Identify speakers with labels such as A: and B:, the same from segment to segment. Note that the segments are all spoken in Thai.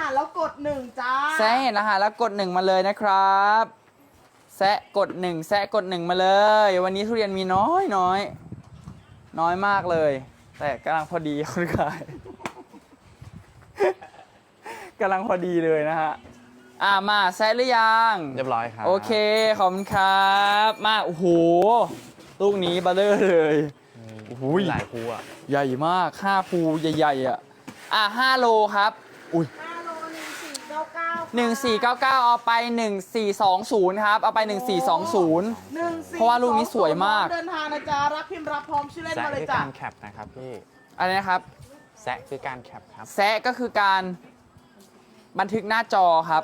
A: หัสแล้วกด1จ้า
B: แซะเห็นรหัสแล้วกด1มาเลยนะครับแซะกด1แซะกด1มาเลยวันนี้ทุเรียนมีน้อยมากเลยแต่กำลังพอดีคุณขายกำลังพอดีเลยนะฮะมาแซะหรือยัง
C: เรียบร้อยครับ
B: โอเคขอบคุณครับมาโอ้โหลูกนี้เบลเลอร์เลยโอ้โห
C: หลายภูอ่ะ
B: ใหญ่มาก5ภูใหญ่ๆ5โลครับอุ้ย
A: 5 โล
B: 1499เอาไป1420ครับเอาไป1420เพราะว่าลูกนี้สวยมาก
A: เดินทางนะจ๊ะรับพิมพ์รับพร้อมชื่อเล่นมาเลยจ้ะ
C: แซะคือการแคปนะครับพี่
B: อะไรนะครับ
C: แซะคือการแคปครับ
B: แซะก็คือการบันทึกหน้าจอครับ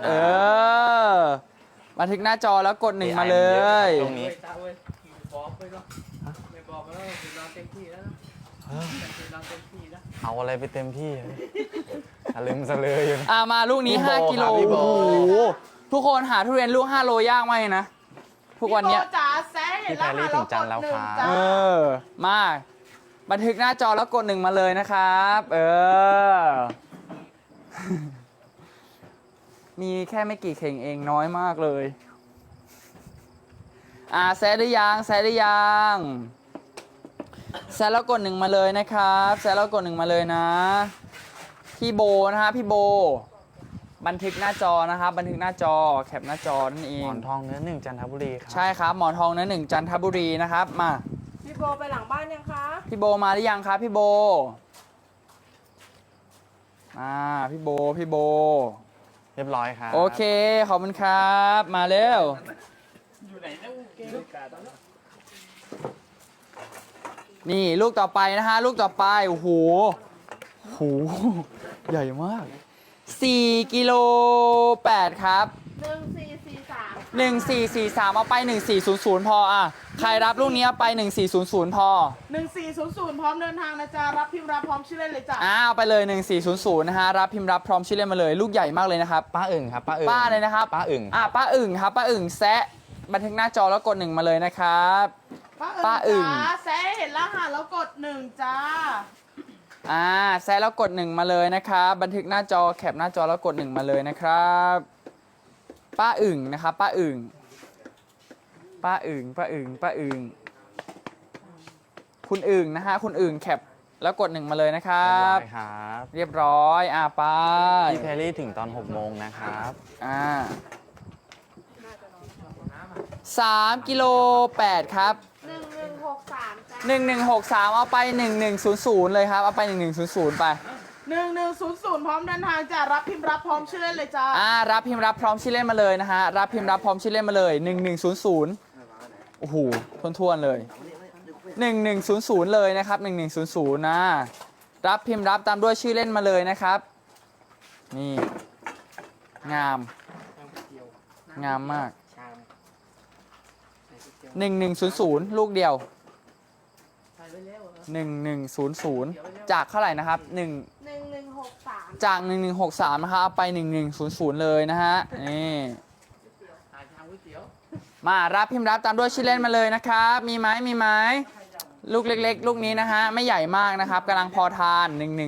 B: บันทึกหน้าจอแล้วกด1มาเลย
C: ตรงนี้เอาอะไรไปเต็มที่ลืมซะเลยอยู่
B: มาลูกนี้5กิโลโอ้โหทุกคนหาทุเรียนลูก5โลยากไหมนะทุกวันนี้
A: จ๋าแซะเห็นแล้วค่ะแล้วกด1จ้า
B: มาบันทึกหน้าจอแล้วกด1มาเลยนะครับมีแค่ไม่กี่เข่งเองน้อยมากเลยแซะหรือยังแซะหรือยังแซะแล้วกด1มาเลยนะครับแซะแล้วกด1มาเลยนะพี่โบนะฮะพี่โบบันทึกหน้าจอนะครับบันทึกหน้าจอแคปหน้าจอนั่นเอง
C: หมอนทองเนื้อ1จันทบุรีครับ
B: ใช่ครับหมอนทองเนื้อ1จันทบุรีนะครับมา
A: พี่โบไปหลังบ้านยังคะ
B: พี่โบมาหรือยังครับพี่โบพี่โบ
C: เรียบร้อยครับ
B: โอเคขอบคุณครับมาเร็วอยู่ไหนนะนี่ลูกต่อไปนะฮะลูกต่อไปโอ้โหใหญ่มาก4กิโล8ครับ1443เอาไป1400พอใครรับลูกนี้เอาไป1400พอ
A: 1400พร้อมเดินทางนะจ๊ะรับพิมพ์รับพร้อมชื่อเล่นเลยจ้ะ
B: เอาไปเลย1400นะฮะรับพิมพ์รับพร้อมชื่อเล่นมาเลยลูกใหญ่มากเลยนะครับ
C: ป้าอึ่งครับป้าอึ่ง
B: ป้าเลยนะครับ
C: ป้าอึ่ง
B: ป้าอึ่งครับป้าอึ่งแซะบันทึกหน้าจอแล้วกด1มาเลยนะครับป้าอึ่ง
A: แซะเห็นรหัสแล้วกด1จ้า
B: แซะแล้วกด1มาเลยนะครับบันทึกหน้าจอแคปหน้าจอแล้วกด1มาเลยนะครับป้าอึ่งนะครับป้าอึ่งคุณอึ่งนะฮะคุณอึ่งแคปแล้วกด1มาเลยนะครับเรียบร้อยไป
C: พี่แพรรี่ถึงตอน6 โมงนะครับ
B: 3กิโล8ครับ1163เอาไป1100เลยครับเอาไป1100ไป
A: 1100พร้อมเดินทางจ้ะรับพิมพ์รับพร้อมชื่อเล่นเลยจ้า
B: รับพิมพ์รับพร้อมชื่อเล่นมาเลยนะฮะรับพิมพ์รับพร้อมชื่อเล่นมาเลย1100โอ้โหทวนๆเลย1100เลยนะครับ1100นะรับพิมพ์รับตามด้วยชื่อเล่นมาเลยนะครับนี่งามมาก1100ลูกเดียว1100จากเท่าไหร่นะครับ1163จาก1163นะครับเอาไป1100เลยนะฮะนี่มารับพิมพ์รับตามด้วยชื่อเล่นมาเลยนะครับมีไหมลูกเล็กๆลูกนี้นะฮะไม่ใหญ่มากนะครับกำลังพอทาน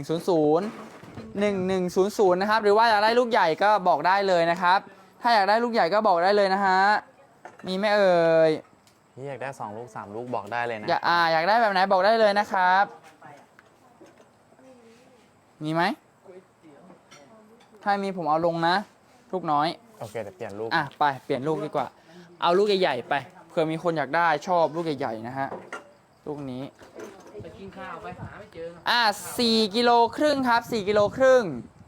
B: 1100นะครับหรือว่าอยากได้ลูกใหญ่ก็บอกได้เลยนะครับถ้าอยากได้ลูกใหญ่ก็บอกได้เลยนะฮะมีไหมเอ่ย
C: พี่อยากได้2 ลูก3 ลูกบอกได้เลยนะ
B: อยากได้แบบไหนบอกได้เลยนะครับมีไหมถ้ามีผมเอาลงนะลูกน้อย
C: โอเคแต่เปลี่ยนลูก
B: ไปเปลี่ยนลูกดีกว่าเอาลูกใหญ่ๆไปเผื่อมีคนอยากได้ชอบลูกใหญ่ๆนะฮะลูกนี้
D: ไปกินข้าวไปหาไม่เจอ
B: 4กิโลครึ่งครับ4กิโลครึ่ง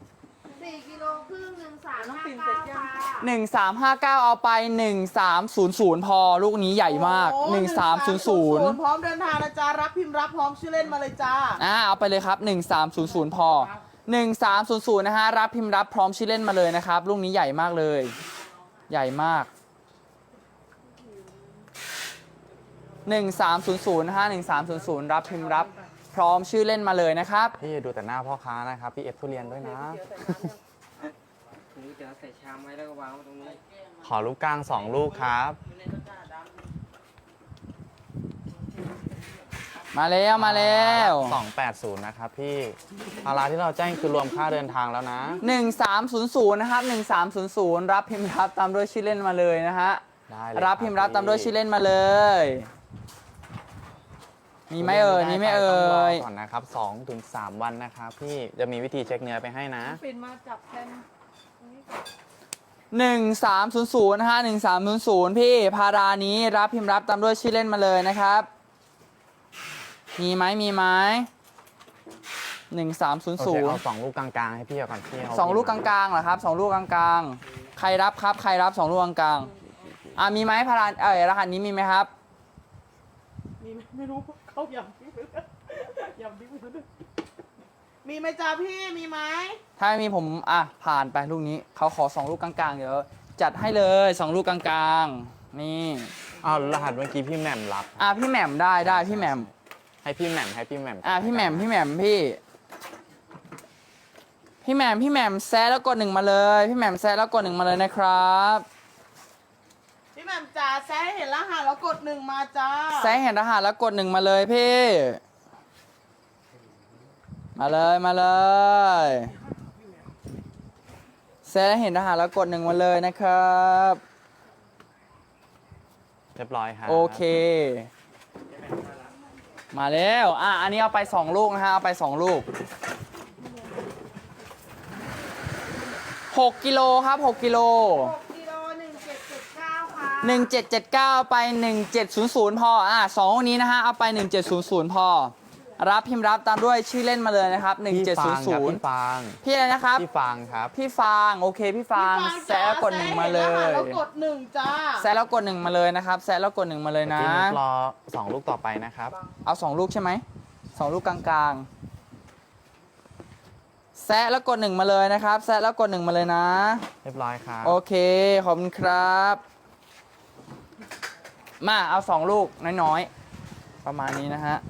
B: 1359เอาไป1300พอลูกนี้ใหญ่มาก1300
A: พร้อมเดินทางนะจ๊ะรับพิมพ์รับพร้อมชื่อเล่นมาเลยจ้า
B: เอาไปเลยครับ1300พอ1300นะฮะรับพิมพ์รับพร้อมชื่อเล่นมาเลยนะครับลูกนี้ใหญ่มากเลยใหญ่มาก1300นะฮะ1300รับพิมพ์รับพร้อมชื่อเล่นมาเลยนะครับ
C: พี่ดูแต่หน้าพ่อค้านะครับพี่ทุเรียนด้วยนะ
D: เดี๋ยวใส่ชามไว้แล้วก็วางไว้ตรงนี้
C: ขอลูกกลาง2 ลูกครับ
B: มาแล้วมาแล้ว
C: 280นะครับพี่ภาระที่เราแจ้งคือรวมค่าเดินทางแล้วนะ
B: 1300นะครับ1300รับพิมพ์รับตามด้วยชื่อเล่นมาเลยนะฮะ
C: ได้เลย
B: รับพิมพ์รับตามด้วยชื่อเล่นมาเลยมีไหมเอ่ยมีไหมเอ่
C: ต้องรอย ก่อนนะครับ2 ถึง 3 วันนะครับพี่จะมีวิธีเช็คเนื้อไปให้นะ
A: ปิ่นมาจับแทน
B: 1300นะฮะ1300พี่พารานี้รับพิมพ์รับตามด้วยชื่อเล่นมาเลยนะครับมีไหมมีไหม
C: โอเคเอา
B: 1300
C: 2 ลูกกลางๆให้พี่เอาก่อนพี่เอา
B: สองลูกกลางๆเหรอครับ2 ลูกกลางๆใครรับครับใครรับ2 ลูกกลางๆมีไหมพารารหัสนี้มีไหมครับ
A: มีไหมไม่รู้เขายำทิ้งไปแล้วยำทิ้งไปแล้วมีไหมจ้าพี่มีไหม
B: ถ้าไม่มีผมผ่านไปลูกนี้เขาขอ2 ลูกกลางๆเดี๋ยวจัดให้เลย2 ลูกกลางๆนี่
C: เอารหัสเมื่อกี้พี่แหม่มรับ
B: พี่แหม่มได้พี่แหม่ม
C: ให้พี่แหม่ม
B: พี่แหม่มพี่แหม่มพี่แหม่มแซะแล้วกด1มาเลยพี่แหม่มแซะแล้วกด1มาเลยนะครับ
A: พี่แหม่มจ๋าแซะให้เห็นรหัสแล้วกด1มาจ้า
B: แซะเห็นรหัสแล้วกด1มาเลยพี่มาเลยแซะเห็นรหัสแล้วกด1มาเลยนะครับ
C: เรียบร้อยครับ
B: โอเค มาแล้วอันนี้เอาไป2 ลูกนะฮะเอาไป2 ลูก6 กิโลครับ6 กิโล
A: 6กิโล1779ค่ะ
B: 1779ไป1700พอ2ลูกนี้นะฮะเอาไป1700พอรับพิมพ์รับตามด้วยชื่อเล่นมาเลยนะครับ
C: พี่ฟางครับพี่
B: 1700
C: ฟาง
B: พี่อะไรนะครับ
C: พี่ฟางครับ
B: พี่ฟางโอเคพี่ฟางแซะแล้วกด1มาเลย
A: แล้วกด1จ้า
B: แซะแล้วกด1มาเลยนะครับแซะแล้วกด1มาเลยนะ
C: พี่นุ๊กรอ2 ลูกต่อไปนะครับ
B: เอา2 ลูกใช่ไหม2 ลูกกลางๆแซะแล้วกด1มาเลยนะครับแซะแล้วกด1มาเลยนะ
C: เรียบร้อยครับ
B: โอเคขอบคุณครับมาเอา2 ลูกน้อยๆประมาณนี้นะฮะ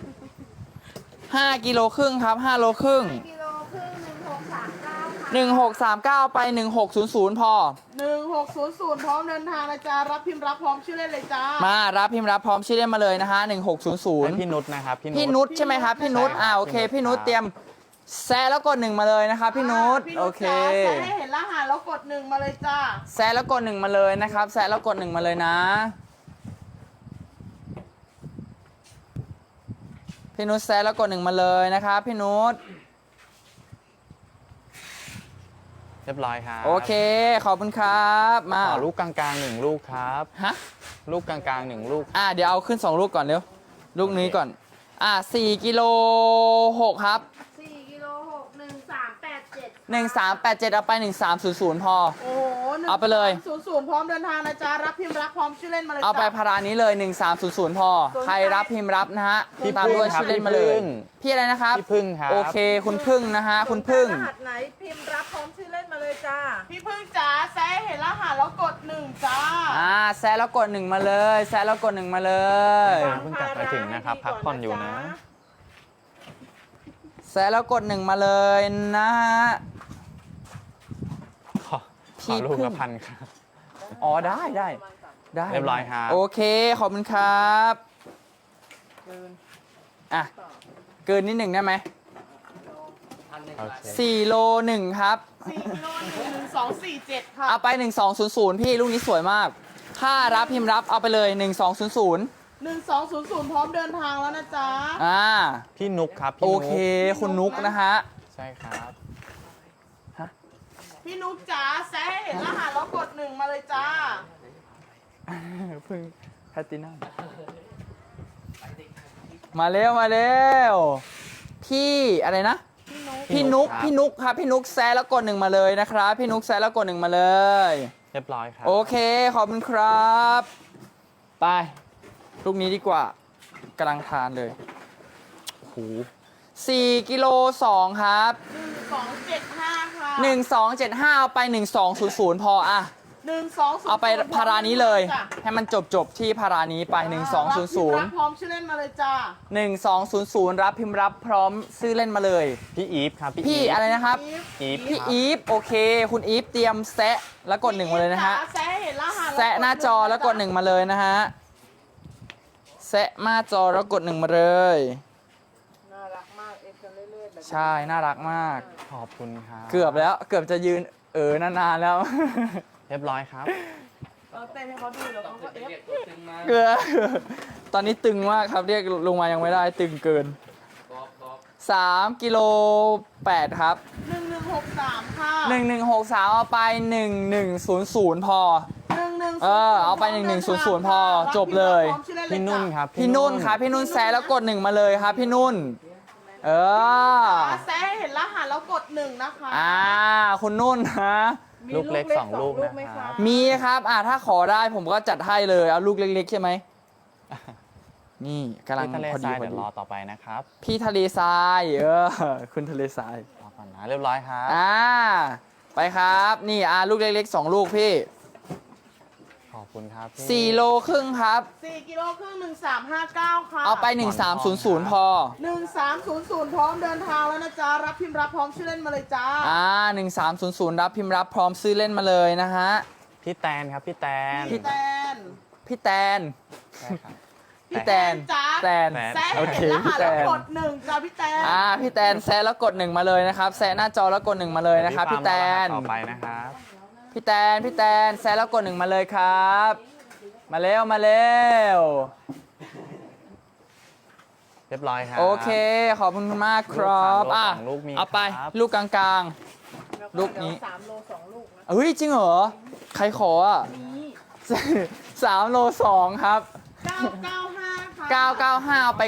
B: 5 กิโลครึ่งครับ5 โลครึ่ง
A: กิโลครึ่ง1639ค่ะ
B: 1639ไป1600พอ
A: 1600พร้อมเดินทางนะจ๊ะรับพิมพ์รับพร้อมชื่อเล่นเลยจ้า
B: มารับพิมพ์รับพร้อมชื่อเล่นมาเลยนะฮะ
C: ให้
B: 1600
C: พี่นุชนะครับ
B: พี่นุชใช่ไหมครับพี่นุช
C: ใช่ครับ
B: โอเค
C: พี่
B: พี่
C: นุ
B: นุ
C: ช
B: ช
C: ครับ
B: เตรียมแซะแล้วกด1มาเลยนะครับพี่นุช
A: พี่
B: โอ
A: นุช
B: เค
A: จ้าแซะให้เห็นรหัสแล้วกด1มาเลยจ้า
B: แซะแล้วกด1มาเลยนะครับแซะแล้วกด1มาเลยนะพี่นุชแซะแล้วกด1มาเลยนะครับพี่นุช
C: เรียบร้อยครับ
B: โอเคขอบคุณครับมา
C: ขอลูกกลางๆ1 ลูกครับ
B: ฮะ
C: ลูกกลางๆ1 ลูก
B: เดี๋ยวเอาขึ้น2 ลูกก่อนเร็วลูกนี้ก่อน4 กิโล 6ครับ
A: 4กิโล6 1387
B: 1387เอาไป1300พอ
A: โอ้โห
B: เอาไปเลย
A: 00พร้อมเดินทางนะจ๊ะรับพิมพ์รับพร้อมชื่อเล่นมาเลยจ้า
B: เอาไปพารานี้เลย1300พอใครรับพิมพ์รับนะฮะ
C: พี่
B: ตามด้วย
C: พึ่งครับ
B: ชื่อเล่นมาเลย
C: พี่พึ่ง
B: พี่อะไรนะครับ
C: พี่พึ่งครับ
B: โอเคคุณพึ่งนะฮะคุณพึ่ง
E: รหัสไหนพิมพ์รับพร้อมชื่อเล่นมาเลยจ้า
A: พี่พึ่งจ๋าแซะให้เห็นรหัสแล้วกด1จ้า
B: แซะแล้วกด1มาเลยแซะแล้วกด1มาเลย
C: เพิ่งกลับมาถึงนะครับ พักผ่อนอยู่นะ
B: แซะแล้วกด1มาเลยนะฮะ
C: ขอลูกละพันครับ
B: ได้
C: เรียบร้อยครับ
B: โอเคขอบคุณครับเกินนิดหนึ่งได้ไหม
C: โอเค
B: 4 โล 1 ครับ
A: 4กิโล1247ค่ะ
B: เอาไป1200พี่ลูกนี้สวยมากค่ารับพิมพ์รับเอาไปเลย1200
A: 1200พร้อมเดินทางแล้วนะจ๊ะ
C: พี่นุกครับพี่
B: โอ
C: นุก
B: เคคุณนุกนะฮะ
C: ใช่ครับ
A: พี่นุ๊กจ๋าแซะให้เห็นรหัสแล้วกด1มาเลยจ้า
B: เพิ่งแพตตินัมมาเร็วพี่อะไรนะ พี่นุก
C: ครับ
B: พี่นุกครับพี่นุกแซะแล้วกด1มาเลยนะครับพี่นุกแซะแล้วกด1มาเลย
C: เรียบร้อยครับ
B: โอเคขอบคุณครับไปลูกนี้ดีกว่ากำลังทานเลยโอ้โห4 กิโล 2 ครับ
A: 1275ค่ะ
B: 1275เอาไป1200พอ
A: 1200
B: เอาไปพารานี้เลย ให้มันจบที่พารานี้ไป
A: รับพร้อมชื่อ
B: 1200
A: เล่นมาเลยจ้า
B: 1200รับพิมพ์รับพร้อมซื้อเล่นมาเลย
C: พี่อีฟครับ
B: พี่
C: ฟ
B: อะไรนะครับ
C: อีฟ
B: พี่
C: ครับ
B: อีฟโอเค คุณอีฟเตรียมแซะแล้วกด1มาเลยนะฮะ
A: แซะให้เห็นรหัส
B: แซะหน้าจอแล้วกด1มาเลยนะฮะแซะมาจอแล้วกด 1 มาเลย
E: น่ารักมากเอฟกันเรื่อยๆแบบนี้
B: ใช่น่ารักมาก
C: ขอบคุณครับ
B: เกือบแล้วเกือบจะยืนนานๆแล้ว
C: เรียบร้อยครับ
A: เราเต้นให้เขาดูแล้วเขาก็เอฟ
D: เรียกตัวตึงมา
B: เกือบตอนนี้ตึงมากครับเรียกลงมายังไม่ได้ตึงเกิน
D: บอก
B: 3กิโล8ครับ
A: 1163 ค่ะ
B: 1163เอาไป1100พอ
A: 1100
B: เอาไป1100พอจบเลย
C: พี่นุ่นครับ
B: พี่นุ่นครับพี่นุ่นแซะแล้วกด 1 มาเลยครับพี่นุ่น
A: แซะให้เห็นรหัสแล้วกด 1 นะคะ
B: คุณนุ่นฮะ
E: มี
C: ลูกเล็กสองลูก
E: ไหม
C: นะค
E: คะ
C: รับ
B: มีครับถ้าขอได้ผมก็จัดให้เลยเอาลูกเล็กๆใช่ไหมนี่กำลัง
C: พี่ทะเล
B: พอ
C: ท
B: ดี
C: ราย
B: พอ
C: เดี๋ยว
B: ดี
C: รอต่อไปนะครับ
B: พี่ทะเลทรายคุณทะเลทราย
C: รอก่อนนะเรียบร้อยครับ
B: ไปครับนี่ลูกเล็กๆ2ลูกพี่
C: ขอบคุณครับพี่
B: 4โลครึ่งครับ
A: 4 กิโลครึ่ง1359 ค่ะ
B: เอาไป1300พอ
A: 1300 พร้อมเดินทางแล้วนะจ๊ะ รับพิมพ์รับพร้อมชื่อเล่นมาเลยจ้า
B: 1300รับพิมพ์รับพร้อมซื้อเล่นมาเลยนะฮะ
C: พี่แตนครับพี่แตน
A: พี่แตน
B: พี่แตน
C: ใช่ครับ
B: พี่แตน
A: จ้า
B: แตน
A: แซะ
B: โอเค
A: เห็นรหั
B: พี่
A: ส
B: แต
A: แล้ว
B: น
A: กด 1 จ้าพี่แตน
B: พี่แตนแซะแล้วกด 1 มาเลยนะครับแซะหน้าจอแล้วกด 1 มาเลยนะครับพี่แตน
C: ต่อไปนะครับ
B: พี่แตนแซะแล้วกด 1 มาเลยครับ มาเร็ว
C: เรียบร้อยครับ
B: โอเคขอบคุณมากครับ
C: ลูกสามโลสองลูกมี
B: เอาไป
C: ครับ
B: ลูกกลางๆ ลูกนี้
E: 3 โล 2 ลูกนะ
B: เฮ้ยจริงเหรอใครขอ3 โล 2 ครับ
A: 995 ค่ะ
B: 995เอาไป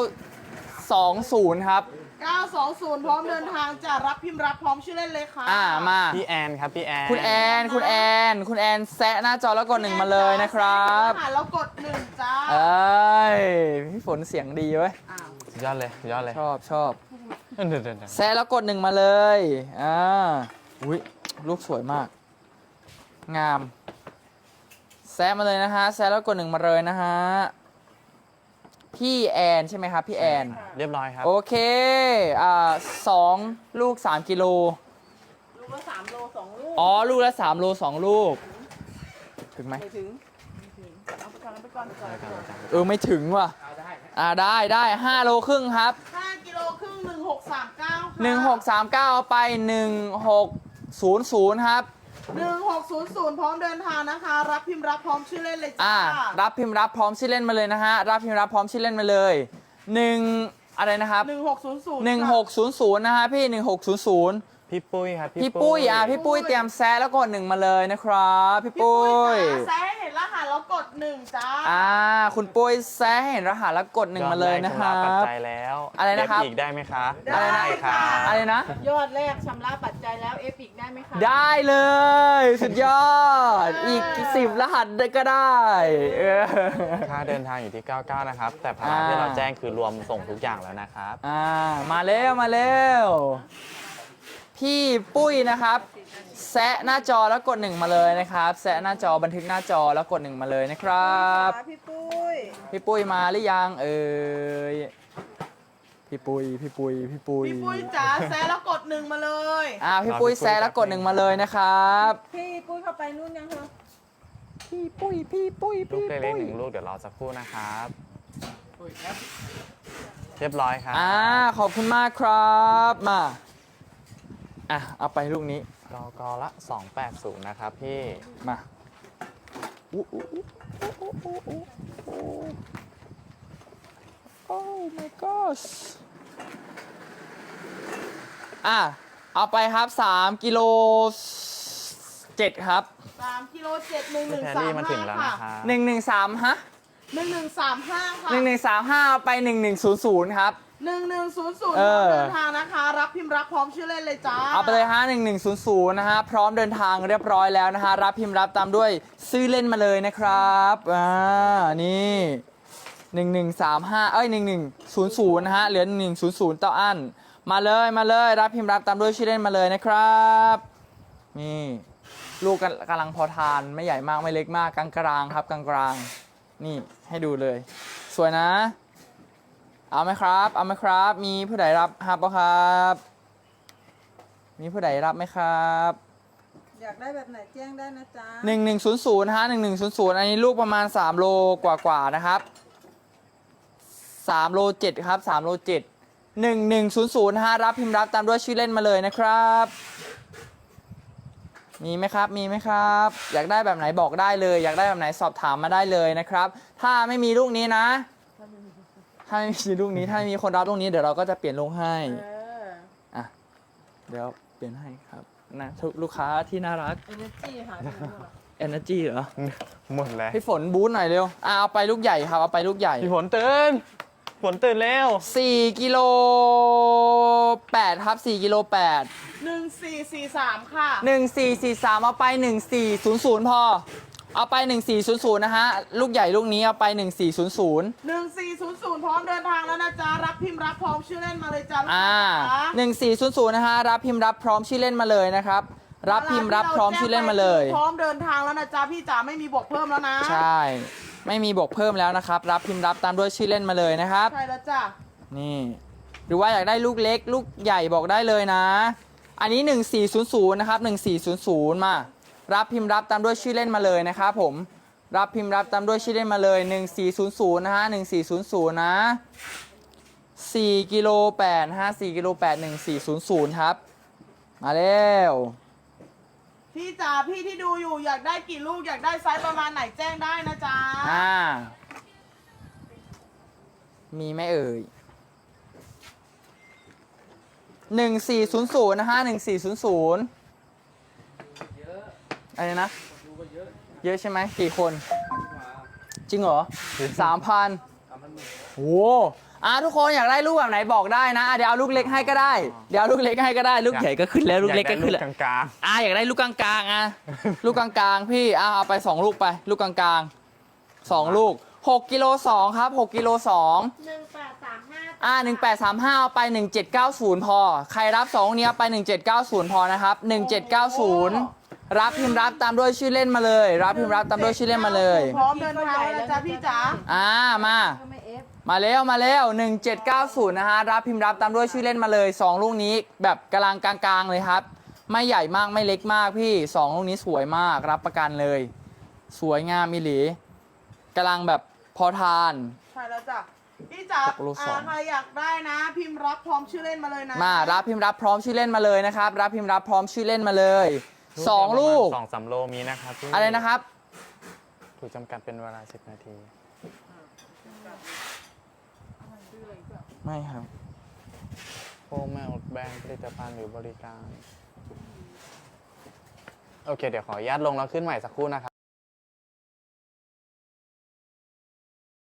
B: 920 ครับ
A: 920 พร้อมเดินทางจะรับพิมพ์รับพร้อมชื่อเล่นเลยค่ะ
B: มา
C: พี่แอนครับพี่แอน
B: คุณแอนแซะหน้าจอแล้วกด 1 มาเลยนะครับ
A: แซะเห็นรหัสแล้วกด 1 จ้า
B: เอ้ยพี่ฝนเสียงดีเว้ย
A: อ้าว
C: สุดยอดเลยสุดยอดเลย
B: ชอบ
C: เดิน
B: แซะแล้วกด 1 มาเลยอุ้ยลูกสวยมาก งาม แซะมาเลยนะฮะแซะแล้วกด 1 มาเลยนะฮะพี่แอนใช่ไหมครับพี่แอน
C: เรียบร้อยครับ
B: โอเค2 ลูก 3 กิโล
E: ลูกละ3 โล 2 ลูก
B: ลูกละ3 โล 2 ลูก ถึงไหม
A: ไม่ถึงเอาไปก่อน
B: ไม่ถึงว่ะ
D: เอาได้
B: ได้5 โลครึ่งครับ
A: 5 กิโลครึ่ง1639 ค่ะ
B: 1639เอาไป 1600 ครับ
A: 1600 พร้อมเดินทางนะคะ รับพิมพ์รับพร้อมชื่อเล่นเลยจ้า
B: รับพิมพ์รับพร้อมชื่อเล่นมาเลยนะฮะ รับพิมพ์รับพร้อมชื่อเล่นมาเลย อะไรนะครับ
A: 1600
B: 1600 นะฮะพี่ 1600
C: พี่ปุ้ยครับ
B: พี่ปุ้ยพี่ปุ้ยเตรียมแซะแล้วกด 1 มาเลยนะครับพี่ปุ้ย
A: แซะให้เห็นรหัสแล้วกด 1 จ้า
B: คุณปุ้ยแซะให้เห็นรหัสแล้วกด 1 มาเลยนะครั
C: ยอดแกชำปัจ
B: บ
C: จัยแล้ว
B: อะไรนะครับ
C: เฟอีกได้ไหมคะ
A: ได้
C: ค่ะ
B: อะไรนะ
E: ยอดแรกชำระปัจจัยแล้วเอฟอีกได้ไหมคะ
B: ได้เลย สุดยอด อีก10 รหัสก็ได้
C: ค่าเดินทางอยู่ที่ 99 นะครับ แต่ภาระที่เราแจ้งคือรวมส่งทุกอย่างแล้วนะครับ
B: มาเร็ว พี่ปุ้ยนะครับแซะหน้าจอแล้วกด 1 มาเลยนะครับแซะหน้าจอบันทึกหน้าจอแล้วกด 1 มาเลยนะครับ
E: พี่ปุ้ย
B: พี่ปุ้ยมาหรือยังพี่ปุ้ย
A: พี่ปุ้ยจ๋าแซะแล้วกด 1 มาเลย
B: พี่ปุ้ยแซะแล้วกด 1 มาเลยนะครับ
E: พี่ปุ้ยเข้าไปนู่นยังคะ
B: พี่ปุ้ย
C: ลูกเล็กๆ1 ลูกเดี๋ยวรอสักครู่นะครับ เรียบร้อยครับ
B: ขอบคุณมากครับมาเอาไปลูกนี้
C: กละ 280 นะครับพี่
B: มาโอ้ my gosh เอาไปครับ3 กิโล 7 ครับ
A: 3 กิโล 7
C: พี่แพรรี่มาถึงแล้ว
A: 1135
C: นะ
A: ค่ะ
C: ครับ
B: 113ฮะ
A: 1135 ค่ะ
B: 1135เอาไป1100ครับ
A: 1100 พร้อมเดินทางนะคะ รับพิมพ์รับพร้อมชื่อเล่นเลยจ้า
B: เอาไปเลยฮะ1100นะฮะพร้อมเดินทางเรียบร้อยแล้วนะฮะรับพิมพ์รับตามด้วยซื้อเล่นมาเลยนะครับนี่11351100นะฮะเหลือ1100ต่ออันมาเลยรับพิมพ์รับตามด้วยชื่อเล่นมาเลยนะครับนี่ลูกกำลังพอทานไม่ใหญ่มากไม่เล็กมากกลางๆครับกลางๆนี่ให้ดูเลย สวยนะเอาไหมครับมีผู้ใดรับครับป่ะครับมีผู้ใดรับไหมครับ
E: อยากได้แบบไหนแจ้งได้นะจ๊ะ
B: 1100ฮะ1100อันนี้ลูกประมาณ3 โลกว่าๆนะครับ 3โล7ครับ3โล7 1100นะฮะรับพิมพ์รับตามด้วยชื่อเล่นมาเลยนะครับ มีไหมครับมีไหมครับ อยากได้แบบไหนบอกได้เลย อยากได้แบบไหนสอบถามมาได้เลยนะครับ ถ้าไม่มีลูกนี้นะ ถ้าไม่มีลูกนี้ถ้าไม่มีคนรับลูกนี้เดี๋ยวเราก็จะเปลี่ยนลูกให้ อ่ะเดี๋ยวเปลี่ยนให้ครับนะลูกค้าที่น่ารัก
E: เอเนจีหาดูเหรอ
B: Energy เหรอ
C: หมดแล้ว
B: พี่ฝนบูทหน่อยเร็วเอาไปลูกใหญ่ครับเอาไปลูกใหญ่
C: พี่ฝนตื่นฝนตื่นแล้ว
B: 4กิโล8ครับ4กิโล8
A: 1443 ค่ะ
B: 1443เอาไป1400พอเอาไป1400นะฮะลูกใหญ่ลูกนี้เอาไป1400
A: 1400 พร้อมเดินทางแล้วนะจ๊ะ รับพิมพ์รับพร้อมชื่อเล่นมาเลยจ้าลูกค้าจ๋า
B: 1400นะฮะรับพิมพ์รับพร้อมชื่อเล่นมาเลยนะครับรับพิมพ์รับพร้อมชื่อเล่นมาเลย
A: พร้อมเดินทางแล้วนะจ๊ะพี่จ๋าไม่มีบวกเพิ่มแล้วนะ
B: ใช่ ไม่มีบวกเพิ่มแล้วนะครับ รับพิมพ์รับตามด้วยชื่อเล่นมาเลยนะครับ
A: ใช่แล้วจ้ะ
B: นี่ หรือว่าอยากได้ลูกเล็ก ลูกใหญ่บอกได้เลยนะ อันนี้ 1400นะครับ1400มา รับพิมพ์รับตามด้วยชื่อเล่นมาเลยนะครับผม รับพิมพ์รับตามด้วยชื่อเล่นมาเลย1400นะฮะ1400นะ4กิโล8นะฮะ4กิโล8 1400ครับ มาแล้ว
A: พี่จ๋าพี่ที่ดูอยู่อยากได้กี่ลูกอยากได้ไซส์ประมาณไหนแจ้งได้นะจ๊ะ
B: มีไหมเอ่ย1400นะฮะ1400อะไรนะ เยอะใช่ไหมกี่คน จริงเหรอ 3,000โอ้ทุกคนอยากได้ลูกแบบไหนบอกได้นะเดี๋ยวเอาลูกเล็กให้ก็ได้ เดี๋ยวเอาลูกเล็กให้ก็ได้ ลูกใหญ่ก็ขึ้นแล้วลูกเล็กก็ขึ้นแล้ว
C: อยาได้ลูกกลาง
B: อยากได้ลูกกลางๆลูกกลางๆพี่เอาไป2ลูกไปลูกกลางๆ2ลูก6กิโล2ครับ6กิโล2 1835เอาไป1790พอใครรับ2เนี้ยไป1790พอนะครับ1790รับพิมพ์รับตามด้วยชื่อเล่นมาเลย รับพิมพ์รับตามด้วยชื่อเล่นมาเลย
A: พร้อมเดินทางแล้วนะจ๊ะพี่จ๋า
B: มา
E: ก็ไม่เอฟ
B: มาแล้ว1790นะฮะรับพิมพ์รับตามด้วยชื่อเล่นมาเลย2ลูกนี้แบบกำลังกลางๆเลยครับไม่ใหญ่มากไม่เล็กมากพี่2ลูกนี้สวยมากรับประกันเลย สวยงามมิหลีกำลังแบบพอทาน
A: ใช่แล้วจ้ะพี่จ๋า
B: ตกลูกสอง
A: ใครอยากได้นะ พิมพ์รับพร้อมชื่อเล่นมาเลยนะ
B: มารับพิมพ์รับพร้อมชื่อเล่นมาเลยนะครับรับพิมพ์รับพร้อมชื่อเล่นมาเลย2ลูก
C: 2-3 โลมีนะครับพี่
B: อะไรนะครับ
C: ถูกจำกัดเป็นเวลา10 นาที
B: ไม่ครับ
C: โฟมแมวแบรนด์ผลิตภัณฑ์หรือบริการ โอเค เดี๋ยวขออนุญาตลงแล้วขึ้นใหม่สักครู่นะครับ